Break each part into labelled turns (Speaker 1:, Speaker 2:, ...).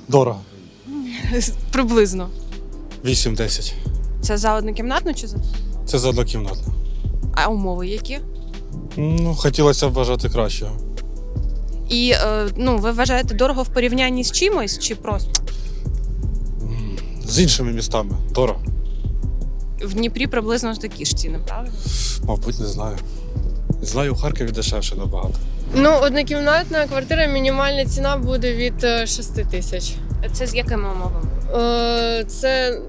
Speaker 1: Дорого.
Speaker 2: Приблизно.
Speaker 1: 8-10.
Speaker 2: Це за однокімнатну чи за?
Speaker 1: Це за однокімнатну.
Speaker 2: А умови які?
Speaker 1: Ну, хотілося б вважати кращого.
Speaker 2: І ви вважаєте дорого в порівнянні з чимось чи просто?
Speaker 1: З іншими містами. Дорого.
Speaker 2: В Дніпрі приблизно такі ж ціни, правильно?
Speaker 1: Мабуть, не знаю. Знаю, у Харкові дешевше набагато.
Speaker 3: Ну, однокімнатна квартира, мінімальна ціна буде від 6 тисяч.
Speaker 2: Це з якими умовами?
Speaker 3: Це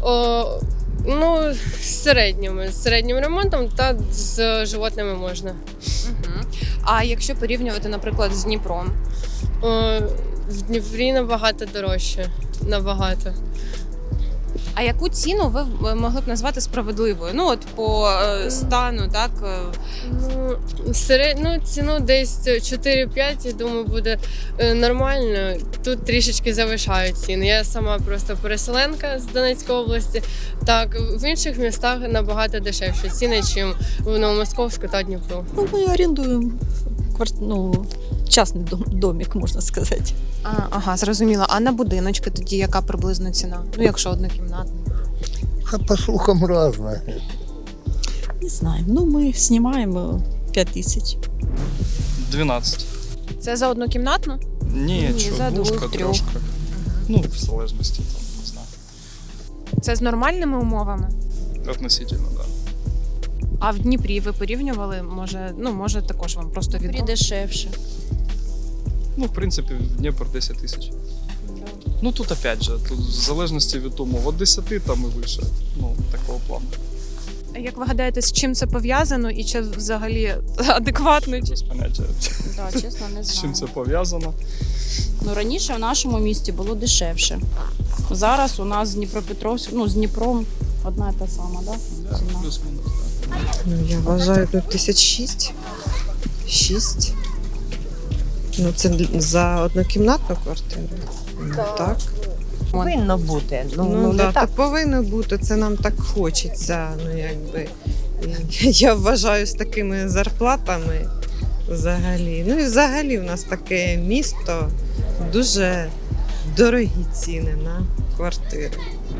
Speaker 3: з середнім ремонтом та з животними можна.
Speaker 2: Угу. А якщо порівнювати, наприклад, з Дніпром?
Speaker 3: В Дніпрі набагато дорожче. Набагато.
Speaker 2: А яку ціну ви могли б назвати справедливою? Ну, от по стану, так?
Speaker 3: Ціну десь 4-5, я думаю, буде нормально. Тут трішечки завишають ціни. Я сама просто переселенка з Донецької області. Так, в інших містах набагато дешевші ціни, ніж в Новомосковську та Дніпру.
Speaker 4: Ну, мы арендуем частный домик, можно сказать.
Speaker 2: Ага, зрозуміло. А на будиночки тоді яка приблизно ціна? Ну, якщо однокімнатна.
Speaker 5: По слухам разное.
Speaker 4: Не знаю. Ну, мы снимаем 5000.
Speaker 6: 12.
Speaker 2: Це за однокімнатну?
Speaker 6: Ні,
Speaker 2: за
Speaker 6: двушка,
Speaker 2: двох, трьох.
Speaker 6: трошка. Ну, в залежності, там, не знаю.
Speaker 2: Це з нормальними умовами?
Speaker 6: Относительно, да.
Speaker 2: А в Дніпрі ви порівнювали? Може також вам просто відомо?
Speaker 7: Дешевше.
Speaker 6: Ну, в принципі, в Дніпр 10 тисяч. Ну, тут опять же, тут в залежності від умов, від 10 там і вище. Ну, такого плану.
Speaker 2: А як ви гадаєте, з чим це пов'язано і чи взагалі адекватно?
Speaker 6: Без поняття,
Speaker 7: Да, чесно, не
Speaker 6: з
Speaker 7: знаю.
Speaker 6: чим це пов'язано.
Speaker 7: Ну, раніше в нашому місті було дешевше. Зараз у нас з Дніпропетровськ, з Дніпром одна і та сама, да?
Speaker 6: Да,
Speaker 7: Ціна.
Speaker 6: плюс-мінус. Да.
Speaker 8: Ну, я вважаю, тут 1006. 6. Ну, це за однокімнатну квартиру. Так.
Speaker 9: Повинно бути.
Speaker 8: Ну,
Speaker 9: Не
Speaker 8: да,
Speaker 9: так.
Speaker 8: то повинно бути, це нам так хочеться. Ну, якби. Я вважаю, з такими зарплатами взагалі. Ну і взагалі в нас таке місто, дуже дорогі ціни на квартири.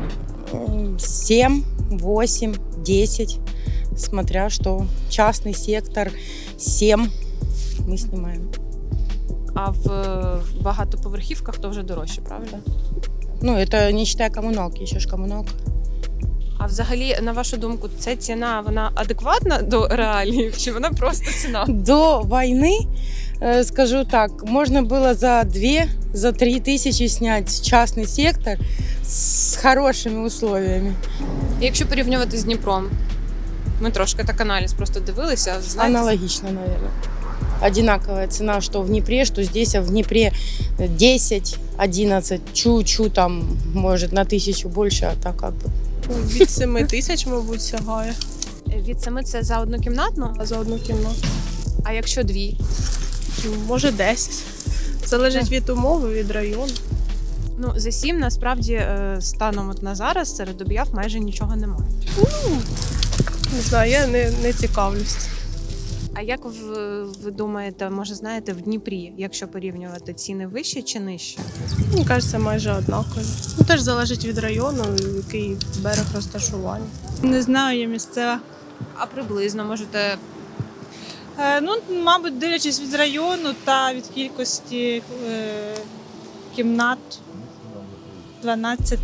Speaker 9: 7, 8, 10, смотря что. Частный сектор 7 мы снимаем.
Speaker 2: А в багатоповерхівках то вже дорожче, правильно?
Speaker 9: Ну, это не считая коммуналки, еще ж коммуналка.
Speaker 2: А взагалі, на вашу думку, ця ціна, вона адекватна до реалій, чи вона просто ціна?
Speaker 9: До войны, скажу так, можно было за 2, за 3 тысячи снять частный сектор с хорошими условиями.
Speaker 2: Якщо порівнювати з Дніпром, ми трошки так аналіз просто дивилися, знаєте,
Speaker 9: Аналогично, наверное. Одинаковая цена, что в Днепре, что здесь, а в Днепре 10, 11, чу-чу там, может, на 1000 больше, а так как бы.
Speaker 3: Від 7 тисяч, мабуть, сягає.
Speaker 2: від 7 це за однокімнатну,
Speaker 3: А за одну кімнату.
Speaker 2: а якщо дві?
Speaker 3: Може 10. Залежить від умови, від району.
Speaker 2: Ну, за 7 насправді станом от на зараз серед об'яв майже нічого немає.
Speaker 3: Не знаю, я не цікавлюсь.
Speaker 2: А як ви думаєте, може знаєте, в Дніпрі, якщо порівнювати, ціни вищі чи нижчі?
Speaker 3: Мені кажеться, майже однакові. Теж залежить від району, який берег розташування.
Speaker 10: Не знаю, я місцева.
Speaker 2: А приблизно можете.
Speaker 10: Мабуть, дивлячись від району та від кількості кімнат 12-15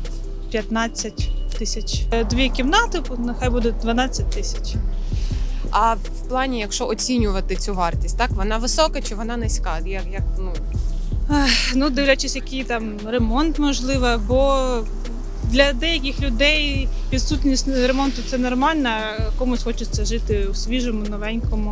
Speaker 10: тисяч. 2 кімнати, нехай буде 12 тисяч.
Speaker 2: А в плані, якщо оцінювати цю вартість, так вона висока чи вона низька?
Speaker 10: Дивлячись, який там ремонт можливо, бо для деяких людей відсутність ремонту це нормально, а комусь хочеться жити у свіжому, новенькому.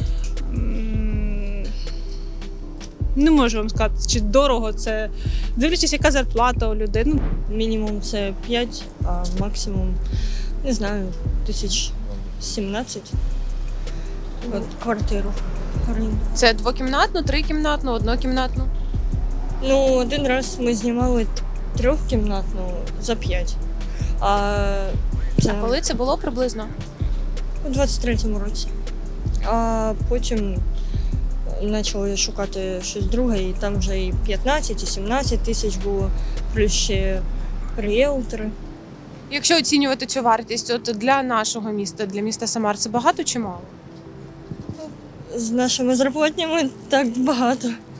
Speaker 10: Не можу вам сказати, чи дорого це. Дивлячись, яка зарплата у людей.
Speaker 11: Мінімум це 5, а максимум, не знаю, 1017 квартиру.
Speaker 2: Це двокімнатну, трикімнатну, однокімнатну?
Speaker 11: Один раз ми знімали 3-кімнатну за 5.
Speaker 2: А коли це було приблизно?
Speaker 11: У 23-му році. А потім почали шукати щось друге, і там вже і 15, і 17 тисяч було, плюс ще ріелтори.
Speaker 2: Якщо оцінювати цю вартість, от для нашого міста, для міста Самар, це багато чи мало?
Speaker 11: З нашими зарплатнями так багато.